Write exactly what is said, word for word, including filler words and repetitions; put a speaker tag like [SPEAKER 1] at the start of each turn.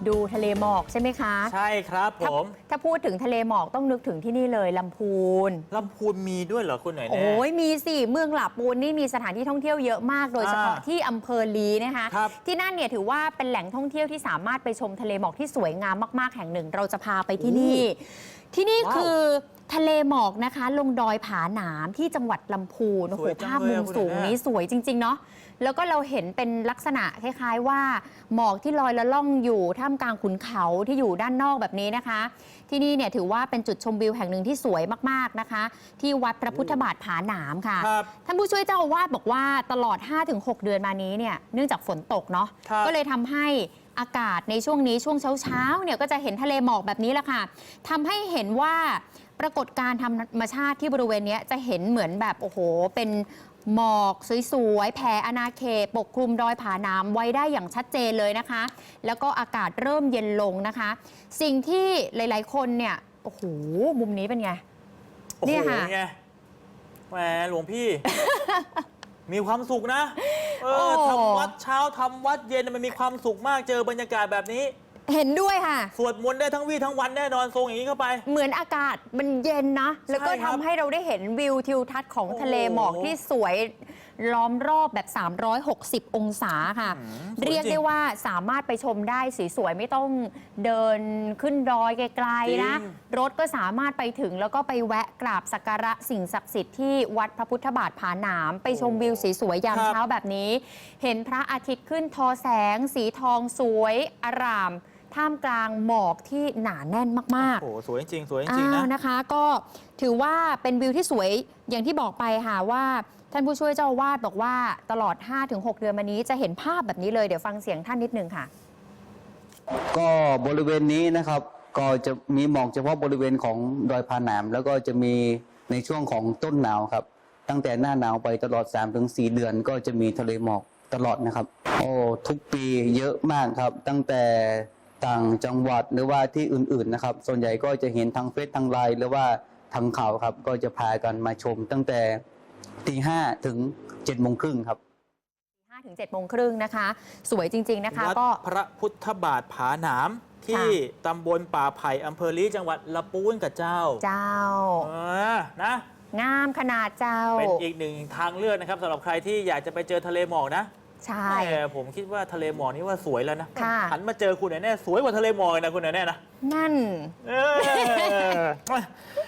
[SPEAKER 1] ดูทะเลหมอกใช่ไหมคะ
[SPEAKER 2] ใช่ครับผ
[SPEAKER 1] ถ้าม ถ้าพูดถึงทะเลหมอกต้องนึกถึงที่นี่เลยลำพูน
[SPEAKER 2] ลำพูนมีด้วยเหรอคุณหน่อยแน่
[SPEAKER 1] โอ้ยมีสิเมืองหลาปูนนี่มีสถานที่ท่องเที่ยวเยอะมากโดยเฉพาะ
[SPEAKER 2] อ่า
[SPEAKER 1] ที่อำเภอลีนะคะ
[SPEAKER 2] ครับ
[SPEAKER 1] ที่นั่นเนี่ยถือว่าเป็นแหล่งท่องเที่ยวที่สามารถไปชมทะเลหมอกที่สวยงามมากๆแห่งหนึ่ง เราจะพาไปที่นี่ ที่นี่
[SPEAKER 2] ว้าว
[SPEAKER 1] คือทะเลหมอกนะคะ ลงดอยผาหนามที่จังหวัดลำพูนโอ้
[SPEAKER 2] ส
[SPEAKER 1] โห
[SPEAKER 2] วยจัง
[SPEAKER 1] ภาพ
[SPEAKER 2] เลย
[SPEAKER 1] มุ
[SPEAKER 2] อะ
[SPEAKER 1] ม
[SPEAKER 2] คุณ
[SPEAKER 1] สูง
[SPEAKER 2] แม่
[SPEAKER 1] นี้สวยจริงๆเนาะแล้วก็เราเห็นเป็นลักษณะคล้ายๆว่าหมอกที่ลอยละล่องอยู่ท่ามกลางขุนเขาที่อยู่ด้านนอกแบบนี้นะคะ ที่นี่เนี่ยถือว่าเป็นจุดชมวิวแห่งหนึ่งที่สวยมากๆนะคะ ที่วัดพระพุทธบาทผาหนามค่ะ
[SPEAKER 2] ครับ
[SPEAKER 1] ท่านผู้ช่วยเจ้าอาวาสบอกว่าตลอด ห้าถึงหก เดือนมานี้เนี่ยเนื่องจากฝนตกเนาะ
[SPEAKER 2] ครับ
[SPEAKER 1] ก็เลยทำให้อากาศในช่วงนี้ช่วงเช้าๆเนี่ยก็จะเห็นทะเลหมอกแบบนี้แหละค่ะทำให้เห็นว่าปรากฏการณ์ธรรมชาติที่บริเวณเนี้ยจะเห็นเหมือนแบบโอ้โหเป็นหมอกสวยๆแผ่อาณาเขตปกคลุมดอยผาหนามไว้ได้อย่างชัดเจนเลยนะคะ แล้วก็อากาศเริ่มเย็นลงนะคะ สิ่งที่หลายๆคนเนี่ยโอ้โหมุมนี้เป็นไง
[SPEAKER 2] โอ้โห
[SPEAKER 1] เนี่ยค่ะ
[SPEAKER 2] ไงแหมหลวงพี่ มีความสุขนะเอ
[SPEAKER 1] โอ้
[SPEAKER 2] อทำวัดเช้าทำวัดเย็นมันมีความสุขมากเจอบรรยากาศแบบนี้
[SPEAKER 1] เห็นด้วยค่ะ
[SPEAKER 2] สวดมนต์ได้ทั้งวี่ทั้งวันแน่นอนทรงอย่างนี้เข้าไป
[SPEAKER 1] เหมือนอากาศมันเย็นนะ แล้วก็
[SPEAKER 2] ใช่ครั
[SPEAKER 1] ทำ
[SPEAKER 2] บ
[SPEAKER 1] ให้เราได้เห็นวิวทิวทัศน์ของ
[SPEAKER 2] โอ้โห
[SPEAKER 1] ทะเลหมอกที่สวยล้อมรอบแบบ สามร้อยหกสิบ องศาค่ะ
[SPEAKER 2] อืมสวยจริง
[SPEAKER 1] เรียกได้ว่าสามารถไปชมได้สวยๆไม่ต้องเดินขึ้นดอยไกลๆนะ รถก็สามารถไปถึงแล้วก็ไปแวะกราบสักการะสิ่งศักดิ์สิทธิ์ที่วัดพระพุทธบาทผาหนาม ไปชมวิวสวยๆยามเช้าแบบนี้ เห็นพระอาทิตย์ขึ้นทอแสง สีทองสวยอร่าม ท่ามกลางหมอกที่หนาแน่นมากๆ
[SPEAKER 2] โอ้โหสวยจริงสวยจริงๆนะ
[SPEAKER 1] อ่านะคะก็ถือว่าเป็นวิวที่สวยอย่างที่บอกไปค่ะว่าท่านผู้ช่วยเจ้าอาวาสบอกว่าตลอด ห้าถึงหก เดือนมานี้จะเห็นภาพแบบนี้เลยเดี๋ยวฟังเสียงท่านนิดนึงค่ะ
[SPEAKER 3] ก็บริเวณนี้นะครับก็จะมีหมอกเฉพาะบริเวณของดอยผาหนาม แล้วก็จะมีในช่วงของต้นหนาวครับตั้งแต่หน้าหนาวไปตลอด สามถึงสี่ เดือนก็จะมีทะเลหมอกตลอดนะครับโอ้ทุกปีเยอะมากครับตั้งแต่ต่างจังหวัดหรือว่าที่อื่นๆนะครับส่วนใหญ่ก็จะเห็นทางเฟซทางไลน์หรือว่าทางข่าวครับก็จะพากันมาชมตั้งแต่ตีห้าถึงเจ็ดโมงครึ่งครับ
[SPEAKER 1] ห้าถึงเจ็ดโมงครึ่งนะคะ สวยจริง ๆ นะคะ
[SPEAKER 2] วัด
[SPEAKER 1] ก็
[SPEAKER 2] พระพุทธบาทผาหนาม ที่ตำบลป่าไผ่อำเภอลีจังหวัดละปูนกับเจ้า
[SPEAKER 1] เจ้า
[SPEAKER 2] เออนะ
[SPEAKER 1] งามขนาดเจ้า
[SPEAKER 2] เป็นอีกหนึ่งทางเลือกนะครับสำหรับใครที่อยากจะไปเจอทะเลหมอกนะ
[SPEAKER 1] ใช่
[SPEAKER 2] แต่ผมคิดว่าทะเลหมอกนี่ว่าสวยแล้วนะ
[SPEAKER 1] ค่ะ
[SPEAKER 2] หันมาเจอคุณแน่ๆสวยกว่าทะเลหมอกเลยนะคุณแน่ๆนะ
[SPEAKER 1] นั่น
[SPEAKER 2] เออ